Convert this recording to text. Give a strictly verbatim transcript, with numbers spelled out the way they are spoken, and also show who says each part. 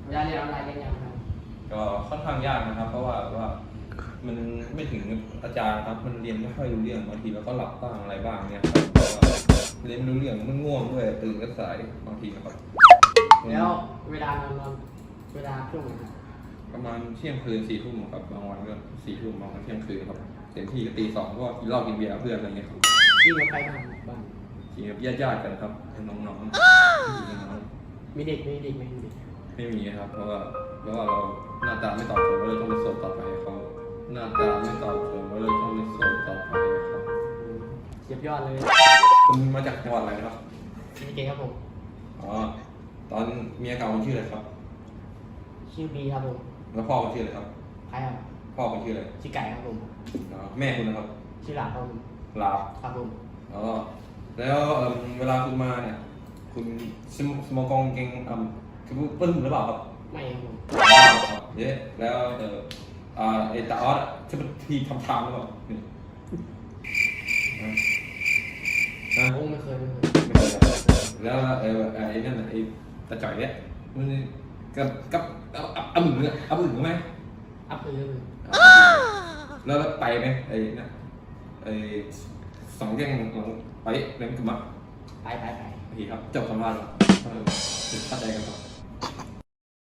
Speaker 1: เวลาเรียนออนไลน์เรียนยังไงครับ
Speaker 2: ก็ค่อนข้างยากนะครับ เพราะว่าว่ามันไม่ถึงอาจารย์ครับมันเรียนไม่ค่อยรู้เรื่องบางทีเราก็หลับบ้างอะไรบ้างเนี่ยครับเพราะว่าเรียนไม่รู้เรื่องมันง่วงด้วยตื่นก็สายบางทีนะครับ
Speaker 1: แล้วเวลานอนนอนเวลาช่วงไหนครับ
Speaker 2: ประมาณเที่ยงคืนสี่ทุ่มครับบางวันก็สี่ทุ่มบางวันเที่ยงคืนครับเต็มที่ก็ตีสองก็กินเหล้ากินเบียร์กับเพื่อนอะไรเงี้ยครับ
Speaker 1: ยิงกับใครบ้างบ้าง
Speaker 2: กินกับญาติๆกันครับน้องๆน้อง
Speaker 1: มีเด็กมีเด็กไหมมีเด็ก
Speaker 2: ๆไม่มีครับ เพราะว่าเพราะว่าเราหน้าตาไม่ตอบโจทย์ก็เลยต้องไปโสดต่อไปเขาหน้าตาไม่ตอบโจทย์ก็เลยต้องไปโสดต่อไปครับ
Speaker 1: อืมเสียบยอดเลย
Speaker 2: คุณมาจากจังหวัดอะไรนะครับ
Speaker 1: มีเก่งครับผม
Speaker 2: อ๋อตอนเมียเก่าคุณชื่ออะไรครับ
Speaker 1: ชื่อบีครับผม
Speaker 2: แล้วพ่อคุณชื่ออะไรครับ
Speaker 1: ใครครับ
Speaker 2: พ่อคุณชื่ออะไร
Speaker 1: ชื่อไก่ครับผม
Speaker 2: อ๋อแม่คุณนะครับ
Speaker 1: ชื่อหลาบครับผม
Speaker 2: ลาบ
Speaker 1: ครับผม
Speaker 2: อ๋อแล้วเอิ่มเวลาคุณมาเนี่ยคุณสมสมองกองเก่งอ่าคือปึ้มหรือเปล่าครับ
Speaker 1: ไม่ครับผม
Speaker 2: อ๋อครับเย้แล้วเอออ่าไอตาออสอะจะเป็นทีทำทางหรือเปล่านี่นะนะ
Speaker 1: โอ้ไม่เคยไม่เคย
Speaker 2: ไม่เป็นไรแล้วเออไอ้นั่นน่ะไอ้ตาจ่อยเนี่ยมันกับกับเอาเอาเอาหมึงเนี่ยเอาหมึงไหม
Speaker 1: อัพเลยเลย
Speaker 2: แล้วแล้วไปไหมไอ้นั่นไอ้สองแย่งหลังไปเล่นกันมา
Speaker 1: ไปไปไป
Speaker 2: โอเคครับจบสัมภาษณ์แล้วเออเข้าใจกันครับ